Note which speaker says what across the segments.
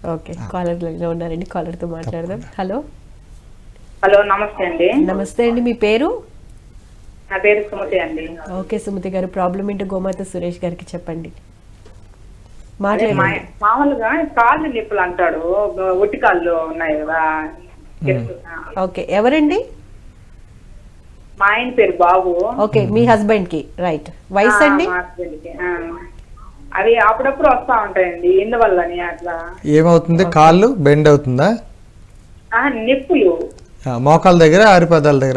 Speaker 1: Okay, caller లైన్లో ఉన్నారండి, కాలర్తో మాట్లాడదాం. హలో
Speaker 2: హలో, నమస్తే అండి.
Speaker 1: నమస్తే అండి, మీ పేరు?
Speaker 2: నా పేరు సుమతి అండి.
Speaker 1: ఓకే సుమతి గారు, ప్రాబ్లం ఏంటో గోమాత సురేష్ గారికి చెప్పండి.
Speaker 2: అదే మామూలుగా కాళ్ళు నొప్పులు అంటాడు, ఒట్టి కాళ్ళు ఉన్నాయి కదా.
Speaker 1: ఓకే, ఎవరండి?
Speaker 2: మా ఆయన పేరు బాబు.
Speaker 1: ఓకే, మీ హస్బెండ్ కి. రైట్. వయసు అండి?
Speaker 2: మా husband కి. అవి అప్పుడప్పుడు వస్తా ఉంటాయండి, ఎందువల్లని అట్లా?
Speaker 3: ఏమవుతుంది? కాళ్ళు బెండ్ అవుతుందా?
Speaker 2: నొప్పులు
Speaker 3: మోకాల దగ్గర, ఆరిపాదాల దగ్గర?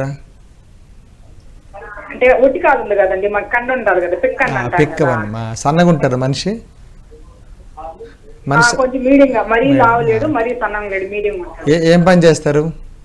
Speaker 2: అంటే ఒట్టి కాళ్ళు ఉంది కదండి, మాకు కండ ఉంటారు కదా,
Speaker 3: పిక్కవన్నీ సన్నగా ఉంటారు మనిషి.
Speaker 2: కొంచెం మీడియం గా, మరీ లావలేడు మరీ సన్నంగా లేడు, మీడియం.
Speaker 3: ఏం పని చేస్తారు?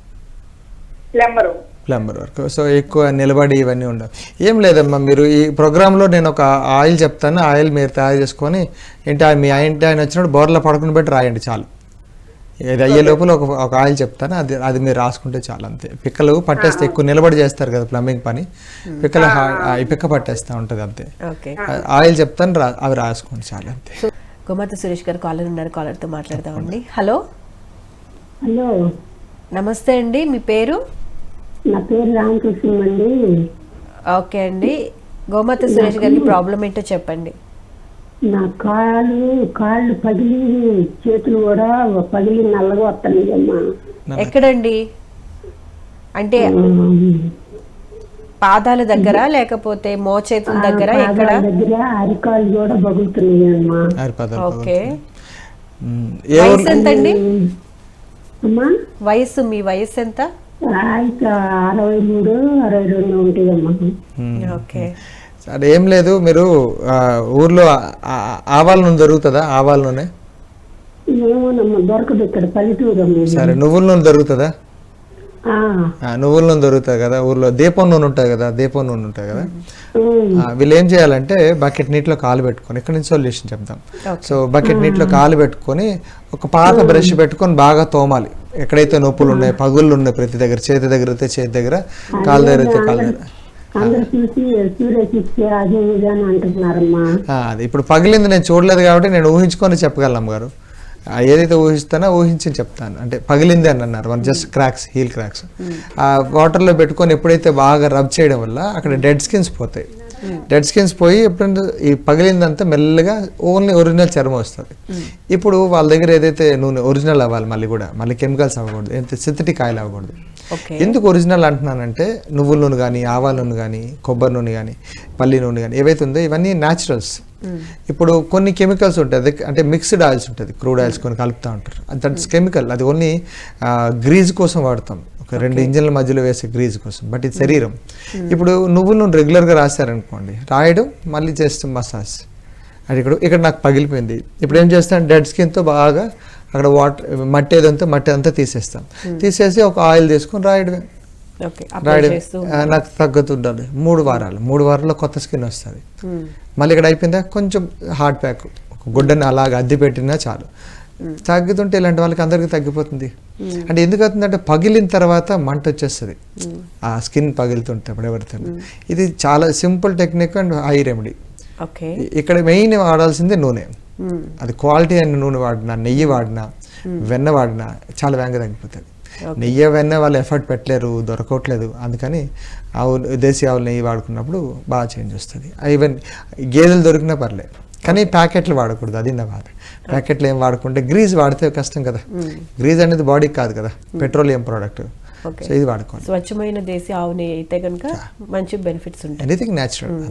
Speaker 2: Plumber
Speaker 3: work. సో ఎక్కువ నిలబడి ఇవన్నీ ఉండవు. ఏం లేదమ్మా, మీరు ఈ ప్రోగ్రాంలో నేను ఒక ఆయిల్ చెప్తాను, ఆయిల్ మీరు తయారు చేసుకొని మీ ఆయన వచ్చినప్పుడు బోర్లో పడుకుని పెట్టి రాయండి చాలు. ఇది అయ్యే లోపల ఒక ఆయిల్ చెప్తాను, అది మీరు రాసుకుంటే చాలు, అంతే. పిక్కలు పట్టేస్తే, ఎక్కువ నిలబడి చేస్తారు కదా ప్లంబింగ్ పని, పిక్కలు ఈ పిక్క పట్టేస్తూ ఉంటుంది, అంతే. ఆయిల్ చెప్తాను, అవి రాసుకోండి చాలు, అంతే.
Speaker 1: గోమాత సురేష్ గారు కాలర్ ఉన్నారు, కాలర్తో మాట్లాడదామండి. హలో
Speaker 4: హలో,
Speaker 1: నమస్తే అండి, మీ పేరు?
Speaker 4: నా పేరు రామకృష్ణ అండి.
Speaker 1: ఓకే అండి, గోమాత సురేష్ గారికి ప్రాబ్లం ఏంటో చెప్పండి.
Speaker 4: నా కాళ్ళు పగిలి, చేతులు కూడా పగిలి నల్లగా వస్తున్నాయమ్మా.
Speaker 1: ఎక్కడండి? అంటే పాదాల దగ్గర లేకపోతే మోచేతుల దగ్గర? ఎక్కడ?
Speaker 4: దగ్గర అరికాళ్ళు కూడా పగులుతున్నాయమ్మా.
Speaker 1: ఓకే, వయసు ఎంత అండి? వయసు, మీ వయసు ఎంత?
Speaker 4: 63, 62 ఉంటాయమ్మా.
Speaker 1: ఓకే,
Speaker 3: సరే, ఏం లేదు. మీరు ఊర్లో ఆవాల నూనె దొరుకుతుందా? ఆవాల నూనె
Speaker 4: ఏమోనమ్మా, దొరకదు ఇక్కడ, పల్లెటూరు.
Speaker 3: సరే, నువ్వుల నూనె దొరుకుతుందా? నువ్వుల నూనె దొరుకుతుంది కదా ఊర్లో. దీపం నూనె ఉంటుంది కదా, దీపం నూనె ఉంటుంది కదా. వీళ్ళు ఏం చేయాలంటే బకెట్ నీటిలో కాలు పెట్టుకొని, ఇక్కడ నుంచి సొల్యూషన్ చెప్తాం. సో బకెట్ నీటిలో కాలు పెట్టుకొని ఒక పాత బ్రష్ పెట్టుకొని బాగా తోమాలి. ఎక్కడైతే నొప్పులు ఉన్నాయి, పగుళ్ళు ఉన్నాయి, ప్రతి దగ్గర, చేతి దగ్గర అయితే చేతి దగ్గర, కాలు దగ్గర అయితే కాలు దగ్గర. అది ఇప్పుడు పగిలింది నేను చూడలేదు కాబట్టి నేను ఊహించుకొని చెప్పగలను అమ్మగారు. ఏదైతే ఊహిస్తానో ఊహించి చెప్తాను. అంటే పగిలింది అని అన్నారు, మన జస్ట్ క్రాక్స్, హీల్ క్రాక్స్. ఆ వాటర్లో పెట్టుకొని ఎప్పుడైతే బాగా రబ్ చేయడం వల్ల అక్కడ డెడ్ స్కిన్స్ పోతాయి. డెడ్ స్కిన్స్ పోయి ఎప్పుడైనా ఈ పగిలిందంతా మెల్లగా ఓన్లీ ఒరిజినల్ చర్మం వస్తుంది. ఇప్పుడు వాళ్ళ దగ్గర ఏదైతే నూనె ఒరిజినల్ అవ్వాలి, మళ్ళీ కెమికల్స్ అవ్వకూడదు, ఎంత సింథటిక్ ఆయిల్ అవ్వకూడదు. ఎందుకు ఒరిజినల్ అంటున్నానంటే నువ్వుల నూనె కానీ, ఆవాల నూనె కానీ, కొబ్బరి నూనె కానీ, పల్లి నూనె కానీ ఏవైతే ఉందో ఇవన్నీ న్యాచురల్స్. ఇప్పుడు కొన్ని కెమికల్స్ ఉంటుంది, అంటే మిక్స్డ్ ఆయిల్స్ ఉంటుంది, క్రూడ్ ఆయిల్స్ కొన్ని కలుపుతూ ఉంటారు, దట్స్ కెమికల్. అది ఓన్లీ గ్రీజ్ కోసం వాడతాం, ఒక 2 ఇంజన్ల మధ్యలో వేసే గ్రీజ్ కోసం, బట్ ఇది శరీరం. ఇప్పుడు నువ్వుల నూనె రెగ్యులర్గా రాశారనుకోండి, రాయడం మళ్ళీ చేస్తాం మసాజ్. అది ఇక్కడ నాకు పగిలిపోయింది, ఇప్పుడు ఏం చేస్తాను, డెడ్ స్కిన్తో బాగా అక్కడ మట్టి అంతా తీసేస్తాం. తీసేసి ఒక ఆయిల్ తీసుకొని రాయడమే. నాకు తగ్గుతుండాలి 3 వారాల్లో కొత్త స్కిన్ వస్తుంది. మళ్ళీ ఇక్కడ అయిపోయిందా, కొంచెం హార్డ్ ప్యాక్, ఒక గుడ్డని అలాగ అద్దె పెట్టినా చాలు. తగ్గుతుంటే ఇలాంటి వాళ్ళకి అందరికీ తగ్గిపోతుంది. అంటే ఎందుకు అవుతుందంటే పగిలిన తర్వాత మంట వచ్చేస్తుంది, ఆ స్కిన్ పగిలితుంటే ఎవరితో. ఇది చాలా simple technique and high remedy. ఇక్కడ మెయిన్ వాడాల్సిందే నూనె. అది క్వాలిటీ అయిన నూనె వాడినా, నెయ్యి వాడినా, వెన్న వాడినా చాలా వేగంగా తగ్గిపోతుంది. నెయ్యి, వెన్న వాళ్ళు ఎఫర్ట్ పెట్టలేరు, దొరకట్లేదు. అందుకని దేశీ ఆవులు నెయ్యి వాడుకున్నప్పుడు బాగా చేంజ్ వస్తుంది. ఈవెన్ గేదెలు దొరికినా పర్లేదు, కానీ ప్యాకెట్లు వాడకూడదు, అది నా బాధ. ప్యాకెట్లు ఏం వాడుకుంటే, గ్రీజ్ వాడితే కష్టం కదా. గ్రీజ్ అనేది బాడీకి కాదు కదా, పెట్రోలియం ప్రోడక్ట్. సో ఇది వాడుకోండి.
Speaker 1: స్వచ్ఛమైన దేశీ ఆవు నెయ్యి అయితే కనుక మంచి బెనిఫిట్స్ ఉంటాయి.
Speaker 3: Anything natural.